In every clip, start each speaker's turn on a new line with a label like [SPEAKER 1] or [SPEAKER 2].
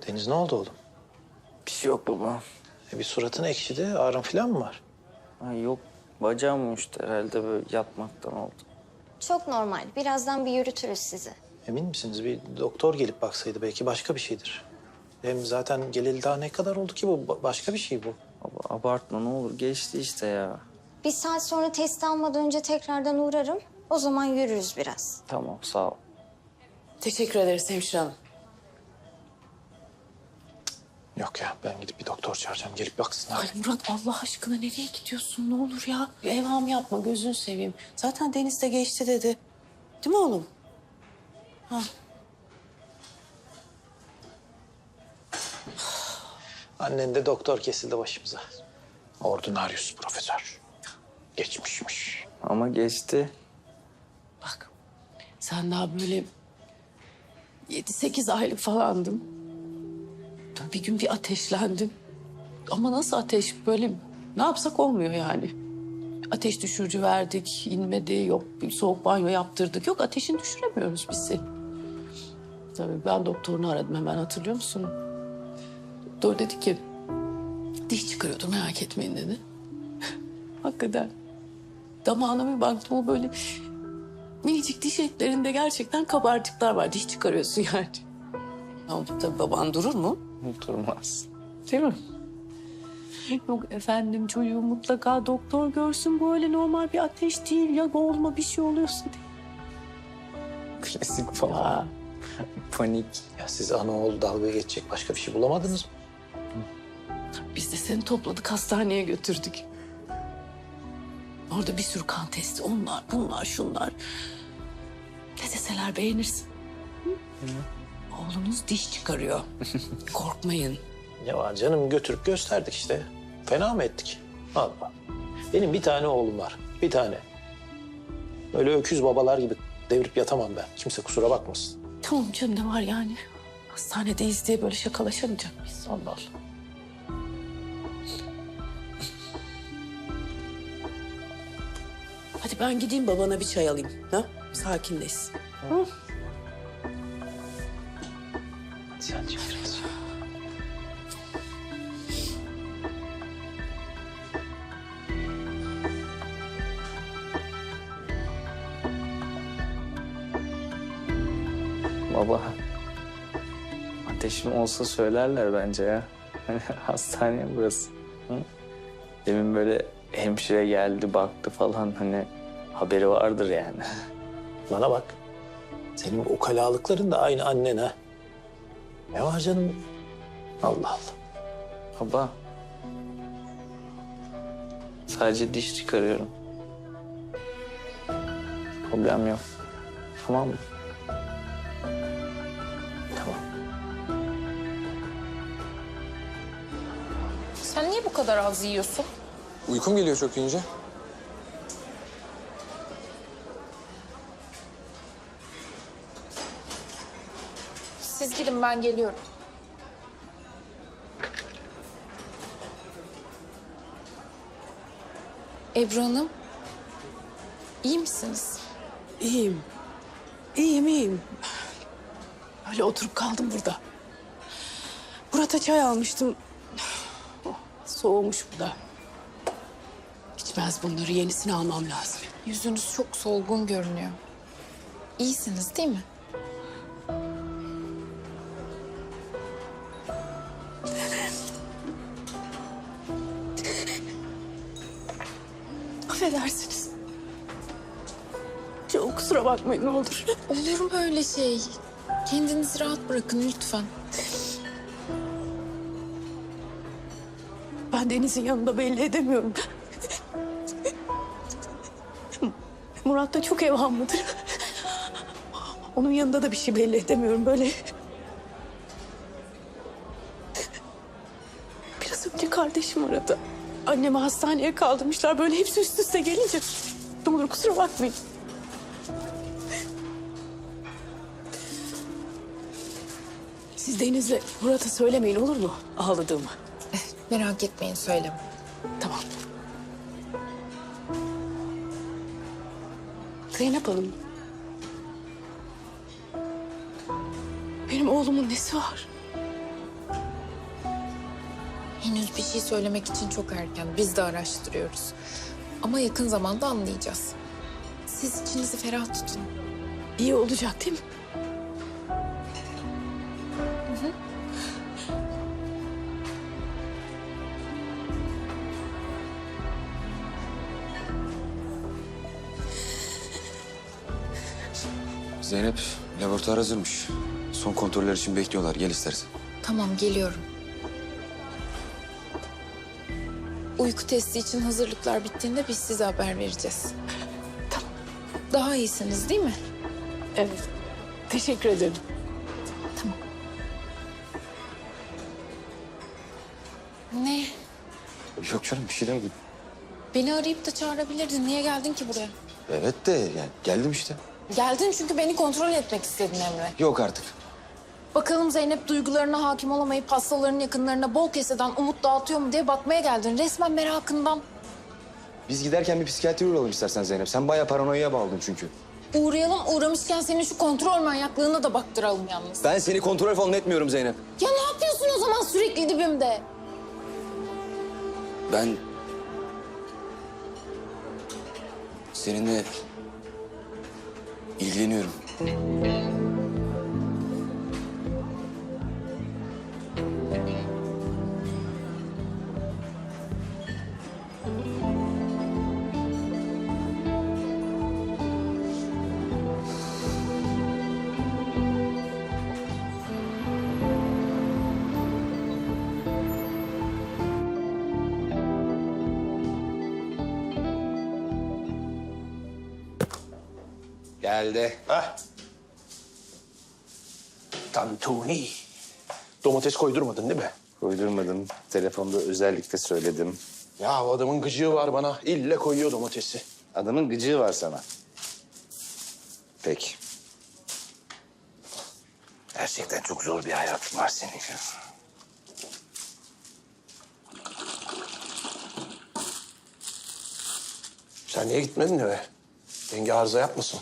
[SPEAKER 1] Deniz ne oldu oğlum?
[SPEAKER 2] Bir şey yok baba.
[SPEAKER 1] Bir suratın ekşidi. Ağrın falan mı var?
[SPEAKER 2] Ay yok, bacağım uyuştu herhalde, böyle yatmaktan oldu.
[SPEAKER 3] Çok normal. Birazdan bir yürütürüz sizi.
[SPEAKER 1] Emin misiniz? Bir doktor gelip baksaydı belki başka bir şeydir. Hem zaten geleli daha ne kadar oldu ki bu? Başka bir şey bu.
[SPEAKER 2] Baba abartma ne olur, geçti işte ya.
[SPEAKER 3] Bir saat sonra test almadan önce tekrardan uğrarım. O zaman yürürüz biraz.
[SPEAKER 2] Tamam, sağ ol.
[SPEAKER 4] Teşekkür ederiz hemşire hanım.
[SPEAKER 1] Yok ya, ben gidip bir doktor çağıracağım. Gelip baksınlar.
[SPEAKER 4] Ay Murat Allah aşkına nereye gidiyorsun ne olur ya? Evham yapma gözünü seveyim. Zaten Deniz de geçti dedi. Değil mi oğlum? Ha.
[SPEAKER 1] Annen de doktor kesildi başımıza. Ordinarius profesör. Geçmişmiş.
[SPEAKER 2] Ama geçti.
[SPEAKER 4] Bak sen daha böyle 7-8 aylık falandın. Bir gün bir ateşlendin. Ama nasıl ateş böyle ne yapsak olmuyor yani. Ateş düşürücü verdik, inmedi. Yok bir soğuk banyo yaptırdık. Yok ateşini düşüremiyoruz biz seni. Tabii ben doktorunu aradım hemen hatırlıyor musun? Doktor dedi ki diş çıkarıyordur merak etmeyin dedi. Hakikaten. Damağına bir baktım o böyle minicik diş etlerinde gerçekten kabarcıklar var. Diş çıkarıyorsun yani. Ama tabii baban durur mu?
[SPEAKER 2] Durmaz.
[SPEAKER 4] Değil mi? Yok efendim çocuğu mutlaka doktor görsün böyle normal bir ateş değil ya boğulma bir şey oluyorsa diye.
[SPEAKER 2] Klasik falan.
[SPEAKER 4] Ya,
[SPEAKER 2] Panik.
[SPEAKER 1] Ya siz ana oğul dalga geçecek başka bir şey bulamadınız mı?
[SPEAKER 4] biz de seni topladık hastaneye götürdük. Orada bir sürü kan testi onlar bunlar şunlar. Ne deseler beğenirsin. Hı? Oğlunuz diş çıkarıyor. Korkmayın.
[SPEAKER 1] Ya canım götürüp gösterdik işte. Fena mı ettik? Allah. Benim bir tane oğlum var. Bir tane. Öyle öküz babalar gibi devirip yatamam ben. Kimse kusura bakmasın.
[SPEAKER 4] Tamam canım ne var yani? Hastanedeyiz diye böyle şakalaşamayacak mıyız? Allah Allah. Hadi ben gideyim babana bir çay alayım. Ha? Sakinleşsin. Hı?
[SPEAKER 1] Sen çık biraz.
[SPEAKER 2] Baba. Ateşim olsa söylerler bence ya. Hani hastane burası. Hı? Demin böyle hemşire geldi baktı falan, hani haberi vardır yani.
[SPEAKER 1] Bana bak. Senin bu ukalalıkların da aynı annen ha. Ne var canım? Allah Allah.
[SPEAKER 2] Baba. Sadece diş çıkarıyorum. Problem yok. Tamam mı?
[SPEAKER 1] Tamam.
[SPEAKER 5] Sen niye bu kadar az yiyorsun?
[SPEAKER 6] Uykum geliyor çok yiyince.
[SPEAKER 5] Siz gidin ben geliyorum. Ebru Hanım, iyi misiniz?
[SPEAKER 4] İyiyim. İyiyim. Öyle oturup kaldım burada. Murat'a çay almıştım. Oh, soğumuş bu da. İçmez bunları. Yenisini almam lazım.
[SPEAKER 5] Yüzünüz çok solgun görünüyor. İyisiniz değil mi?
[SPEAKER 4] Affedersiniz. Çok kusura bakmayın ne olur.
[SPEAKER 5] Olur mu öyle şey? Kendinizi rahat bırakın lütfen.
[SPEAKER 4] Ben Deniz'in yanında belli edemiyorum. Murat da çok evhamlıdır. Onun yanında da bir şey belli edemiyorum böyle. Biraz önce kardeşim aradı. Annemi hastaneye kaldırmışlar böyle hepsi üst üste gelince. Ne olur kusura bakmayın. Siz Deniz'le Murat'a söylemeyin olur mu ağladığımı?
[SPEAKER 5] Merak etmeyin söyleme.
[SPEAKER 4] Tamam. Zeynep Hanım. Benim oğlumun nesi var?
[SPEAKER 5] Henüz bir şey söylemek için çok erken. Biz de araştırıyoruz. Ama yakın zamanda anlayacağız. Siz içinizi ferah tutun.
[SPEAKER 4] İyi olacak değil mi?
[SPEAKER 6] Zeynep, laboratuvar hazırmış. Son kontroller için bekliyorlar. Gel istersen.
[SPEAKER 5] Tamam, geliyorum. Uyku testi için hazırlıklar bittiğinde biz size haber vereceğiz. Tamam. Daha iyisiniz değil mi?
[SPEAKER 4] Evet. Teşekkür ederim.
[SPEAKER 5] Ne?
[SPEAKER 6] Yok canım, bir şey demedim.
[SPEAKER 5] Beni arayıp da çağırabilirdin. Niye geldin ki buraya?
[SPEAKER 6] Evet de yani geldim işte.
[SPEAKER 5] Geldin çünkü beni kontrol etmek istedin Emre.
[SPEAKER 6] Yok artık.
[SPEAKER 5] Bakalım Zeynep duygularına hakim olamayıp hastaların yakınlarına bol keseden umut dağıtıyor mu diye bakmaya geldin. Resmen merakından.
[SPEAKER 6] Biz giderken bir psikiyatri uğrayalım istersen Zeynep. Sen bayağı paranoya bağladın çünkü.
[SPEAKER 5] Uğrayalım, uğramışken senin şu kontrol manyaklığına da baktıralım yalnız.
[SPEAKER 6] Ben seni kontrol falan etmiyorum Zeynep.
[SPEAKER 5] Ya ne yapıyorsun o zaman sürekli dibimde?
[SPEAKER 6] Ben... seninle ilgileniyorum. Geldi.
[SPEAKER 1] Hah. Tantuni. Domates koydurmadın değil mi?
[SPEAKER 2] Koydurmadım. Telefonda özellikle söyledim.
[SPEAKER 1] Ya adamın gıcığı var bana. İlle koyuyor domatesi.
[SPEAKER 2] Adamın gıcığı var sana. Peki. Gerçekten çok zor bir hayatın var senin.
[SPEAKER 1] Sen niye gitmedin eve? Yenge arıza yapmasın.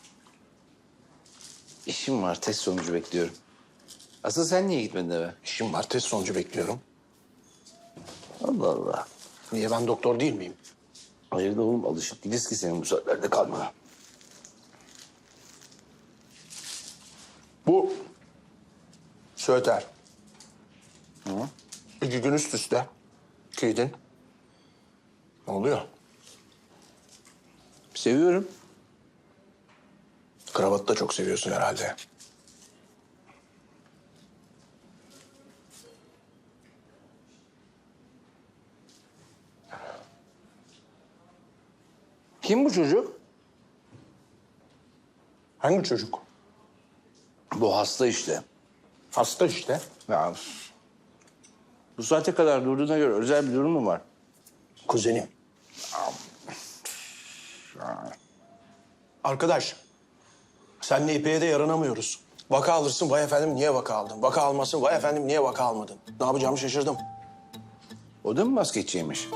[SPEAKER 2] İşim var, test sonucu bekliyorum. Asıl sen niye gitmedin eve?
[SPEAKER 1] İşim var, test sonucu bekliyorum.
[SPEAKER 2] Allah Allah.
[SPEAKER 1] Niye, ben doktor değil miyim?
[SPEAKER 2] Hayır da oğlum, alışık değiliz ki senin bu saatlerde kalmana.
[SPEAKER 1] Bu Söğüter. Hı? 2 gün üst üste giydin. Ne oluyor?
[SPEAKER 2] Seviyorum.
[SPEAKER 1] Kravatı da çok seviyorsun herhalde.
[SPEAKER 2] Kim bu çocuk?
[SPEAKER 1] Hangi çocuk?
[SPEAKER 2] Bu hasta işte.
[SPEAKER 1] Hasta işte.
[SPEAKER 2] Ya, bu saate kadar durduğuna göre özel bir durum mu var?
[SPEAKER 1] Kuzenim. Arkadaş, senle İpek'e de yaranamıyoruz. Vaka alırsın, vay efendim niye vaka aldın? Vaka almasın, vay efendim niye vaka almadın? Ne yapacağımı şaşırdım.
[SPEAKER 2] O da mı basketçiymiş?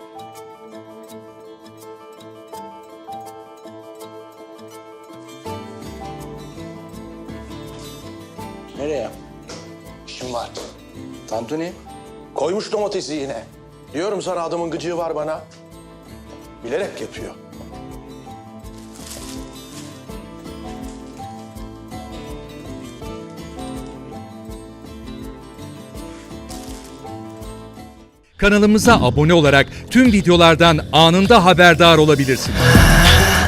[SPEAKER 2] Nereye?
[SPEAKER 1] İşim var.
[SPEAKER 2] Tantuni?
[SPEAKER 1] Koymuş domatesi yine. Diyorum sana, adamın gıcığı var bana. Bilerek yapıyor.
[SPEAKER 7] Kanalımıza abone olarak tüm videolardan anında haberdar olabilirsiniz.